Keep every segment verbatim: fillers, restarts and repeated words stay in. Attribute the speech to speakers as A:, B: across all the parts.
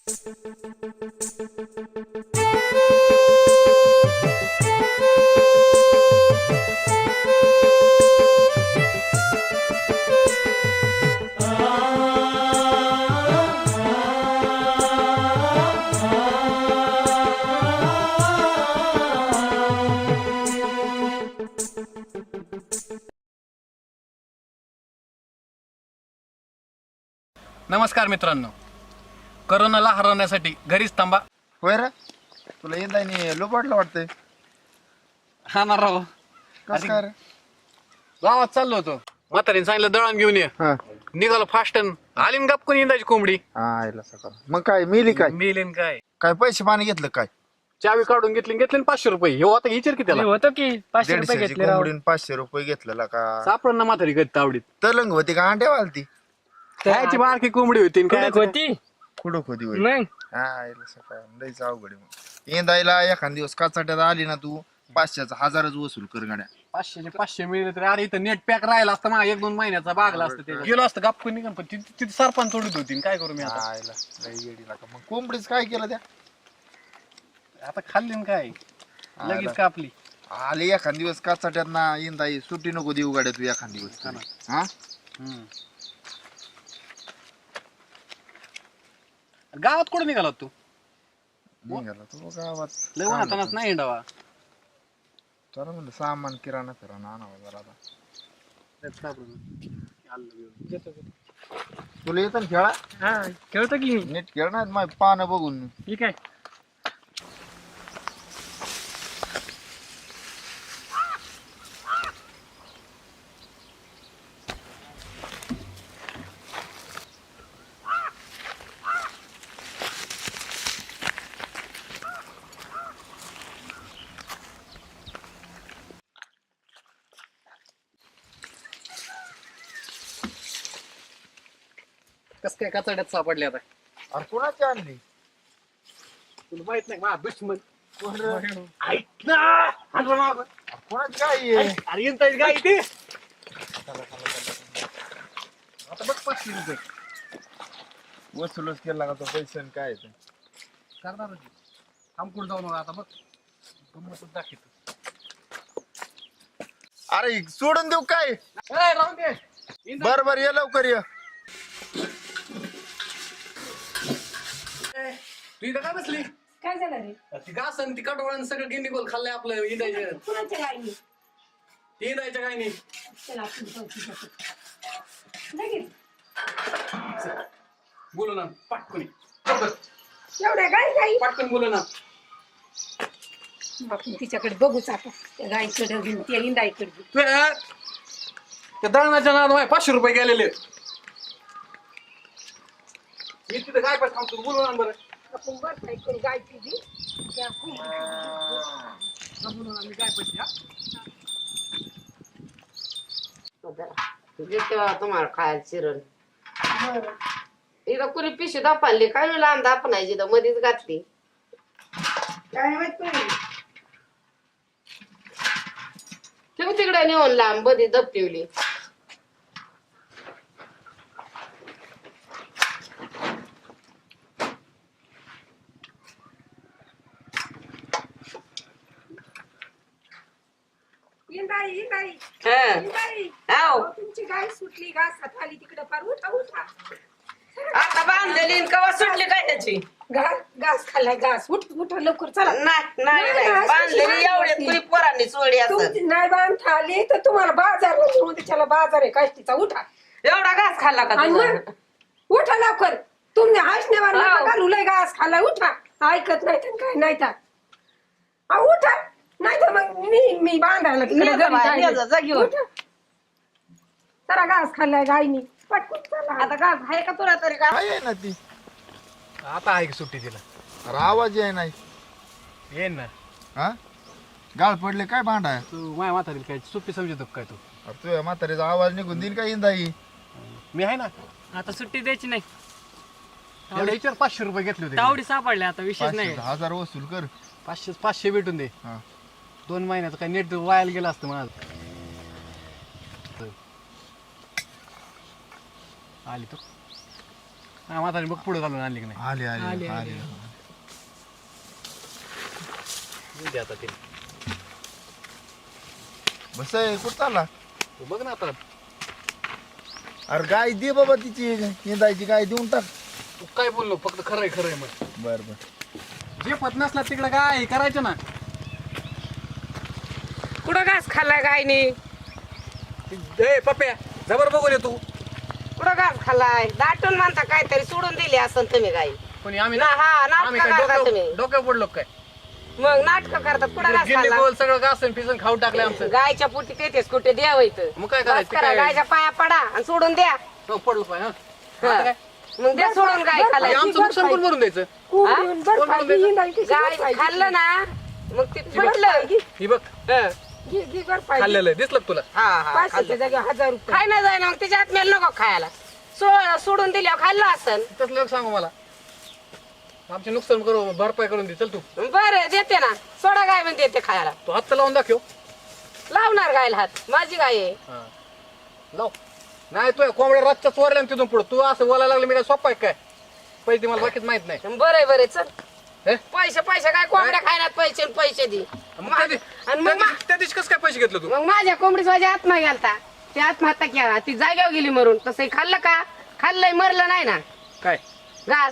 A: नमस्कार मित्रांनो, कोरोनाला हरवण्यासाठी घरीच थांबा.
B: होय रे, तुला यंदा लोबाडलं वाटतंय.
A: हा ना राव,
B: कसं काय रे?
A: गावात चाललो होतो, म्हातारीने सांगितलं दळण घेऊन ये.
B: हा
A: निघालो फास्टन, आली न गपकून इंदाची कोंबडी.
B: हा आयला सकाळ. मग काय मिली काय?
A: मेलेन काय,
B: काय पैसे पाणी घेतलं काय?
A: चावी काढून घेतली घेतली पाचशे रुपये. हे आता विचार की त्याला
C: होतं की पाचशे रुपये
B: दीडशेची
C: घेतले राव.
B: कोंबडीन पाचशे रुपये घेतलेला का?
A: सापडण ना म्हातारी कधी तावडीत.
B: तलंग होती का अंड्या वालती?
A: कायची बारकी कोंबडी होती न काय
C: कुठं होती
B: कुठं होती होय?
C: मग
B: हा आयला सकाळ लईच अवघड आहे. मग येंदायला एखाद दिवस काचाट्यात आली ना तू, पाचशेचा हजारच वसूल कर गाड्या.
A: पाचशेचे पाचशे मिळले तरी अरे इथं नेट पॅक राहिला असतं मग एक दोन महिन्याचा बागला असतं. ते गेलो असतं गपकून निघून, पण तिथे तिथे सरपंच तोडीत होती. काय करू मी आता?
B: आयला लई येडी लागा. मग कोंबडीच काय केलं त्या?
A: आता खाल्ली न काय,
B: आला.
A: लगेच कापली.
B: आली एखाद दिवस काचाट्यात ना येंदाई सुट्टी नको देऊ गाड्या तू एखाद दिवस तरी. हा
A: हम्म. गावात कुठे निघाला तू?
B: निघाला तू गावात.
A: लय उन्हातानाच नाही हिंडावा.
B: चला म्हणलं सामान किराणा फिराणा आणावं जरा आता. तुला येतं ना खेळा?
C: हा खेळतो की
B: नीट खेळ ना माझी पानं बघून.
C: ठीक आहे.
A: कस काय कचड्यात सापडले आता?
B: अरे कोणाची आणली?
A: तुला माहित नाही माझा दुश्मन.
B: कोण रे?
A: ऐक ना, हाणलं मागं.
B: अरे कोणाची गाई आहे?
A: अरे येणताय गाई ते. आता बघ पाचशे रुपये
B: वसूलच केला का तो पैसे आणि काय ते?
A: करणार होती. थांब कुठं जाऊ नका आता बघ. गंमतच दाखवतो.
B: अरे सोडून देऊ काय?
A: ए, राहून दे. येणताय.
B: बर बर ये लवकर ये.
A: तू इथं काय बसली?
D: काय झालं रे?
A: ती घास आणि ती कटवळण सगळं गिन्नी गोल खाल्लंय आपलं इंदायचं.
D: कुणाच्या गायनी?
A: ते इंदायचं काय नाही.
D: चला आपण जाऊ तिच्याकडे. लगेच
A: बोलू ना पाटकुनी.
D: एवढ्या गाय गाई
A: पाटकन बोलू ना.
D: आपण तिच्याकडे बघूच आता. त्या गायीकडे घेऊन त्या इंदाईकडे घेऊन.
A: तू या- त्या दळणाच्या नाद माय पाचशे रुपये गेलेले. मी तिथं काय पाहिजे थांबतो बोलू ना बरं.
D: आपण बस ऐकून गाय तुझी त्या
A: बोलू ना मी काय पाहिजे हा?
E: तेव्हा तुम्हाला खायला चिरण इथं कुणी पिशवी दापाली काय वेळेला लांब दापणायची तर मध्येच घातली
D: काय माहित नाही.
E: ठेव तिकडे नेऊन लांब मध्ये दब ठेवली.
D: इंदाई इंदाई
E: हं.
D: इंदाई
E: आव.
D: अहो, तुमची गाय सुटली घासात आली तिकडे फार उठा उठा.
E: आता बांधलेली न कवा सुटली काय त्याची
D: घास घास खाल्लाय घास उठ उठ लवकर चला.
E: नाही नाही
D: नाही,
E: नाही
D: अशी
E: बांधलेली
D: बांधली
E: एवढ्यात
D: होती.
E: कुणी पोरांनी सोडी असत
D: तुमची नाही बांधता आली तर तुम्हाला बाजार म्हणून त्याला बाजार आहे काष्टीचा उठा.
E: एवढा घास खाल्ला का
D: आणि
E: तुझा?
D: मग उठा लवकर. तुम्ही हसण्यावर नका
E: हो.
D: घालू लय घास खाल्लाय उठा. ऐकत नाही तर काय नाही तर अहो, उठा नाही तर मग मी मी बांधायला तिकडे
E: ये जा
D: घरी
E: बाई,
D: जाईल.
E: ये जा, जा घेऊन.
D: उठा. जरा घास खाल्लाय गायनी पटकन चला.
E: आता घास आहे का तुला तरी का
B: काय आहे ना ती?
A: आता आहे की सुट्टी तिला.
B: अरे आवाज आहे नाही.
A: येईन ना.
B: हा गाळ पडले काय भांडा आहे?
A: तू माझ्या म्हातारीला काय सुट्टी समजतो का काय तू?
B: अरे तुझ्या म्हातारीचा आवाज निघून देईन काय इंदाई?
A: मी आहे ना.
C: आता सुट्टी द्यायची नाही.
A: एवढे विचार पाचशे रुपये घेतले होते.
C: तावडी सापडल्या आता विशेष
B: पाचशे
C: नाही.
B: हजार वसूल कर.
A: पाचशे पाचशे भेटून दे.
B: हा
A: दोन महिन्याचं काय नेट वायाला गेलं असतं माझं. आली तो हा, म्हातारी बघ पुढे घालून आणली की नाही
B: आले आले आले
A: येऊ दे आता ते
B: बस कुठं चालला
A: तू बघ ना आता
B: अरे गाय दे बाबा तिची निंदायची गाय देऊन टाक
A: तू काय बोललो फक्त खरंय खरंय मग
B: बर बर
A: जे पत नसला तिकडे काय करायचं ना
E: कुठं घास खाल्लाय गायनी
A: ए पप्प्या जबर बघून ये तू
E: कुठं घास खाल्लाय दाटून म्हणता काहीतरी सोडून दिली असं तुम्ही गाई
A: कोणी आम्ही
E: ना हा
A: आम्ही
E: नाटक
A: काय
E: करता
A: डोक्यावर
E: तुम्ही
A: डोक्यावर पडलो काय
E: मग नाटक करतात कुठं घास
A: गिल्ली
E: खाल्ला
A: गोल सगळं घासून पिसून खाऊन टाकलं आमचं
E: गायच्या पोटी तेच कुठे द्यावं
A: मग काय
E: बस
A: करायचं
E: करा
A: काय
E: गायच्या पाया पडा आणि सोडून द्या
A: हो, पडलं पाय हा
E: हा.
A: आता काय
E: मग द्या सोडून गाय
A: हे
E: खाल्लाय
A: आमचं नुकसान कोण भरून द्यायचं
D: कोंबडीहून बरं पाहिजे, हिंडायची कशी
E: गाय
D: बरं पाहिजे?
E: खाल्लं ना मग ते पडलं
A: ही बघ
E: हं.
D: घे घे बरं पाहिजे.
A: खाल्लेलं आहे, दिसलं का तुला
E: हा हा
D: पाचशेच्या
E: खाल्लं.
D: जागेवर हजार रुपये
E: खाय ना जाय ना मग त्याच्या आत्म्याला नको खायला सो- सोडून दिल्यावर खाल्लं असन
A: तसलं एक सांगू मला आमचे नुकसान करू भरपाई करून दे चल तू
E: बरं देते ना सोडा गाय म्हणजे देते खायला
A: तू हात लावून दाखव
E: लावणार गायला हात माझी गाय आहे
A: हा. लाव नाही तू कोंबड्या रस्त्या चोरल्या ना तिथून पुढे तू असं बोलायला लागलं मी काय सोपा आहे काय पैसे मला बाकीच माहित नाही
E: बरं बरं चल
A: हे?
E: पैसे पैसे काय कोंबड्या खायला पैसे आणि पैसे दे
A: मग त्या दिवशी-
E: आणि
A: त्या
E: मग मा-
A: दिवशी- त्या दिवशी कसं काय पैसे घेतलं तू
E: मग माझ्या कोंबडीच माझ्या आत्मा गेलता ती आत्महत्या केला ती जाग्यावर गेली मरून तसं खाल्लं का खाल्लंय मरलं नाही ना
A: काय
E: घास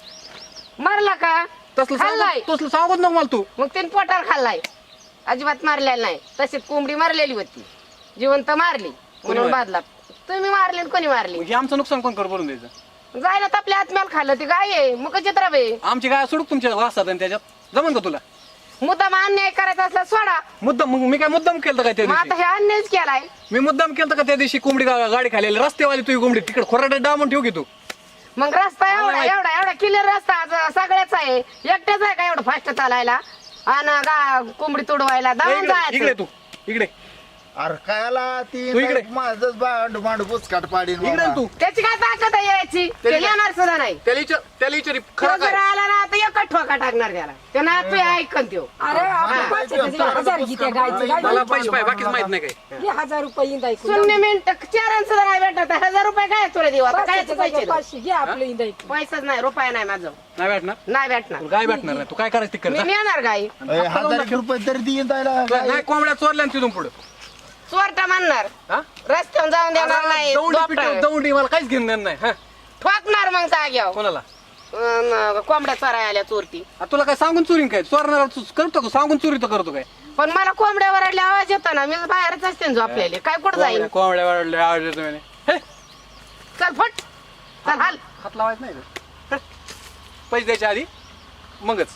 E: मरला का
A: तसलं
E: खाल्लाय
A: सांगू तसलं सांगूच नको मला तू
E: मग तिने पोटावर खाल्लाय अजिबात मारलेला नाही तशीच कोंबडी मारलेली होती जिवंत मारली म्हणून
A: मारली?
E: बादला तुम्ही मारली आणि कोणी मारली
A: म्हणजे आमचं नुकसान कोण कर भरून द्यायचं
E: जायला तर आपल्या आत्म्याला खाल्लं ती गाय आहे मग चित्रा बे
A: आमची काय सोडूक तुमच्या वासात आणि त्याच्यात जमन का तुला
E: मुद्दाम अन्याय करायचा असला सोडा
A: मुद्दाम मग मी काय मुद्दाम केलं काय त्या
E: मग आता
A: दिवशी
E: हे अन्यायच केलाय
A: मी मुद्दाम केलं का त्या दिवशी कोंबडी गा- गाडी खाली रस्तेवाली तुझी कोंबडी तिकडे खोराडे डामून ठेव की तू
E: मग रस्ता
A: मला
E: एवढा
A: माहित-
E: एवढा एवढा क्लिअर रस्ता आज सगळ्याच आहे एकट्याच आहे का एवढं फास्ट चालायला आणि गा कोंबडी तोडवायला
A: ए,
E: जाऊन
A: इकडे इकडे
E: जायचं
A: तू इकडे
B: अरे कायला ती
A: तू इकडे.
B: माझंच भांड भांड बुचकाट पाडीन
A: इकडे
B: बाबा.
A: तू
E: त्याची काय ताकद आहे यायची ते
A: त्याची-
E: येणार सुद्धा नाही
A: त्याला विचार त्याला विचारी
E: तो
A: खरं
E: जर
A: काय
E: आला ना तर एकच ठोका टाकणार त्याला ते ना तू ऐकन त्यो
D: अरे आपण
B: हा.
D: पाचशेच्या जागेवर हजार घे त्या गायचं. गाय
A: मला पैसे पाहिजे बाकीच माहित नाही काय
D: घे हजार रुपये इंदायचं.
E: शून्य मिनिट चार सुद्धा नाही भेटत हजार रुपये काय तुला देऊ आता काय
D: पाचशेच्या
E: पैसे
D: जागेवर पाचशे घे आपलं इंदायचं.
E: पैसाच नाही रुपया नाही माझं
A: नाही भेटणार
E: नाही भेटणार
A: तुला काय भेटणार नाही तू काय करायचं ते
E: मी
A: कर
E: नेणार गाई
B: ए, हजार एक रुपये तरी देईन जायला गाय.
A: नाही कोंबड्या चोरल्या ना तिथून पुढे
E: चोरटा म्हणणार रस्त्यावर जाऊन देणार नाही
A: दौंडी
E: दोपटा.
A: पिटं दौंडी मला काहीच घेऊन देणार नाही हा
E: ठोकणार मग जाग्यावर
A: कोणाला
E: अन कोंबड्या चोराय आल्या चोरती
A: आ, तुला काय सांगून चोरी काय चोरणार तू करतो का सांगून चोरी तर करतो काय
E: पण मला कोंबड्या वरडल्या आवाज येतो ना मी बाहेरच असते ना झोपलेले काय कुठं जाईल
A: कोंबड्या वाढले आवाज येतो म्हणे. हे,
E: चल फट चल हाल
A: हात लावायचं नाही का? हे, पैसे द्यायच्या आधी मगच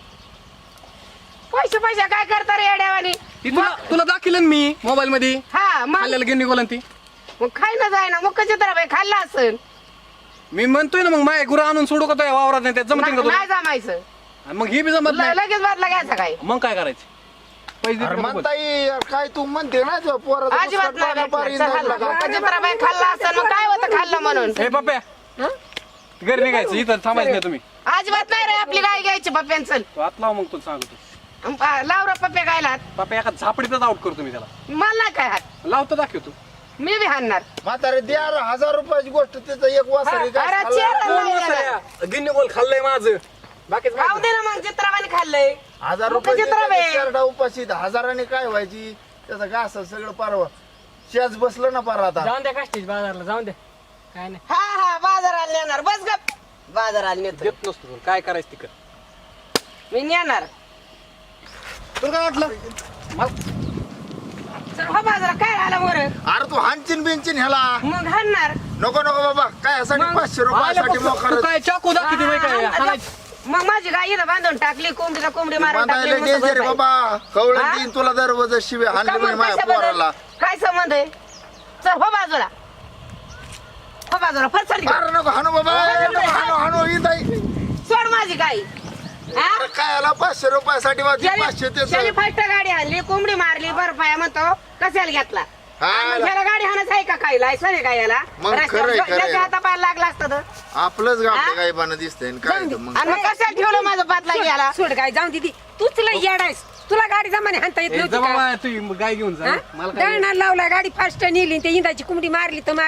E: पैसे पैसे काय करता रे येड्यावानी
A: ती तुला तुला दाखिलं ना मी मोबाईल मध्ये
E: हा मग
A: खाल्ल्याला गिन्नी गोलन ती
E: मग खाय ना जाय ना मग कशी तर बाई खाल्ला असेल
A: मी म्हणतोय ना मग माय गुरु आणून सोडू का तो वावरात नाही त्यात जमतील का तुला
E: नाही जमायचं
A: आणि मग ही बी जमत
E: ल-
A: नाही
E: लगेच बादला घ्यायचा काय
A: मग काय करायचं पैसे
B: अरे
A: देते का बघ.
B: म्हणता येईल काय तू म्हणते ना तुझ्या पोराचं
E: अजिबात
B: बुचकाट
E: नाही
B: पाडा
E: भेटणार.
B: पाडीन
E: चल हाल.
B: जायला का?
E: कशी तर बाई खाल्ला असेल मग काय होतं खाल्लं म्हणून
A: हे पप्प्या घरी निघायचं इथं थांबायचं नाही तुम्ही
E: अजिबात नाही रे आपली गाय घ्यायची पप्प्यान चल
A: तो हात लाव मग तुला सांगतो
E: अं, पा- लाव रे पप्प्या गायला हात.
A: पप्प्या एका झापडीतच आउट करतो मी त्याला
E: मला नाही काय हात
A: लावतो दाखवतो
E: मी बी हाणणार
B: म्हातारे द्या रे, हजार रुपयाची गोष्ट त्याचं एक वासरी काय
E: अरे
B: खाल्लं?
E: चेहरा नाही देणार.
A: गिन्नी गोल खाल्लंय माझं बाकीच
E: खाऊ दे ना मग चित्राबाने खाल्लंय
B: हजार
E: मग
B: रुपये
E: चित्रा बे.
B: शर्टा उपाशी हजाराने काय व्हायची त्याचं घास सगळं पारवा शेज बसलं ना पार आता
C: जाऊन द्या काष्टीच बाजारला जाऊन द्या काय नाही
E: हा हा बाजाराला नेणार बस गप बाजाराला नेतो
A: देत नसतो तुला. काय करायचं तिकड
E: मी नेणार
A: तुला काय वाटलं मला-
E: चल हो बाजारात काय आला वर
B: अरे तू हानचिन बिनचिन ह्याला
E: मग हाणणार
B: नको नको बाबा काय यासाठी
E: मग-
B: पाचशे रुपयासाठी
A: तू
B: मोकार
A: काय चाकू दाखवते माहिती काय
E: हा,
A: हाणायचं.
E: मग माझी गाय इथं बांधून टाकली कोंबडीला कोंबडी मारून टाकली
B: बांधायला
E: मस्त
B: डेंजर
E: बरं
B: बाबा कवळं
E: हा?
B: देईन तुला दरवाज शिवे हाणली
E: का
B: म्हणे
E: मग
B: माझ्या
E: कशाबद्दल?
B: पोराला
E: काय संबंध आहे चल हो बाजूला हो बाजूला फरसाड
B: अरे नको हाणू बाबा ए, नको हाणू हाणू ही ताई.
E: सोड माझी गाय हा?
B: अरे काय याला पाचशे रुपयासाठी माझी पाचशे ते
E: त्याने फास्ट गाडी आणली कोंबडी मारली बरं म्हणतो कशाला घेतला
B: हा.
E: आणि ह्याला गाडी हाणच आहे का काही लायसन आहे का याला
B: मग
E: रस्त्यावर
B: खरंय, खरंय.
E: याच्या हातापायला लागला असतं तर.
B: आपलंच
E: हा?
B: गाव काय बाण दिसतंय आणि काय तर मग
E: आणि मग कशाला ठेवलं माझं पातला घ्यायला
D: सोड गाय जाऊन दिदी तू तुला येडायस तुला गाडी जमाने हाणता येत
A: ए,
D: नव्हती
A: जा
D: का?
A: बाबा, तू गाय घेऊन जा
D: हा?
A: मला काय
D: दळणाला लावला गाडी फास्ट नेली ते इंदाची कुंबडी मारली तर मारली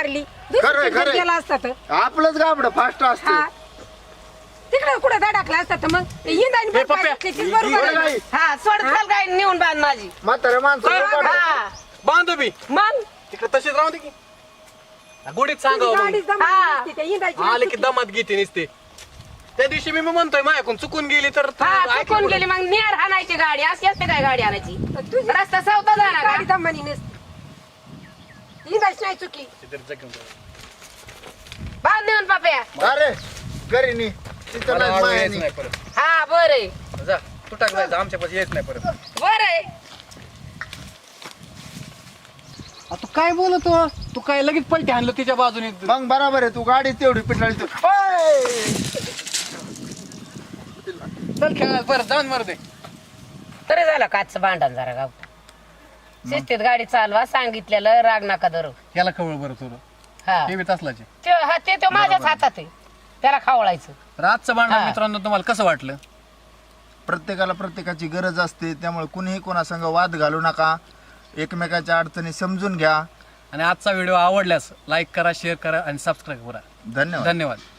B: खरंय, खरंय.
D: गेला असता तर
B: आपलंच गाबड फास्ट
D: हा
B: असतं
D: तिकडे कुठे धडकला असता तर मग ते इंदाने
A: हे पप्प्या,
D: बरोबर आहे.
B: गाई
E: हा सोड चल काय नेऊन बांध माझी
B: म्हातारे माणसं
A: हा,
B: लोकांना-
E: हा
A: बांधू बी
E: मग
A: तिकडे तशीच राहू दे की गोडीत
D: तुझी
A: सांगावं
D: गाडी
A: मग.
D: जमाली
E: हा.
D: नसती, ते इंदायची
A: आले
D: नसती.
A: की दमात घेते नसते त्या दिवशी मी म्हणतोय माझ्याकडून चुकून गेली तर तू
E: हा
A: ऐकलं
E: चुकून
A: कुठं?
E: गेली मग नेर हाणायची गाडी अशी असते काय गाडी आणायची
D: तुझी
E: रस्ता सावता जाणार
D: गाडी
E: का
D: जमानी नसती इंदायची नाही चुकी
A: तिथे जगून जाऊ.
E: बांध नेऊन पाप्या
B: अरे घरी नी तिथं
A: मला
B: नाही
A: आडवं
B: माया
A: यायचं
B: नी.
A: नाही परत
E: हा बरं
A: जा तू टाक जायचं आमच्या पाशी यायच नाही परत
E: बरं
A: आ, तू काय बोलतो तू काय लगेच पलटी आणलं तिच्या बाजूने
B: मग बरोबर आहे तू गाडी तेवढी पिटाळी तू ओय!
A: चल खेळायला परत जाऊन मारू दे
E: तरी झालं काचचं भांडण जरा गाव शिस्तीत गाडी चालवा सांगितलेलं राग नका धरू
A: याला खवळ बरं तुला
E: हा
A: हे बी तसलाचे
E: ते हा ते तो माझ्याच हातात आहे त्याला खावळायचं
A: रातचं भांडण
E: हा.
A: मित्रांनो तुम्हाला कसं वाटलं
B: प्रत्येकाला प्रत्येकाची गरज असते त्यामुळे कुणीही कोणासंग वाद घालू नका एकमेकाच्या अडचणी समजून घ्या
A: आणि आजचा व्हिडिओ आवडल्यास लाईक करा शेअर करा आणि सबस्क्राईब करा
B: धन्यवाद
A: धन्यवाद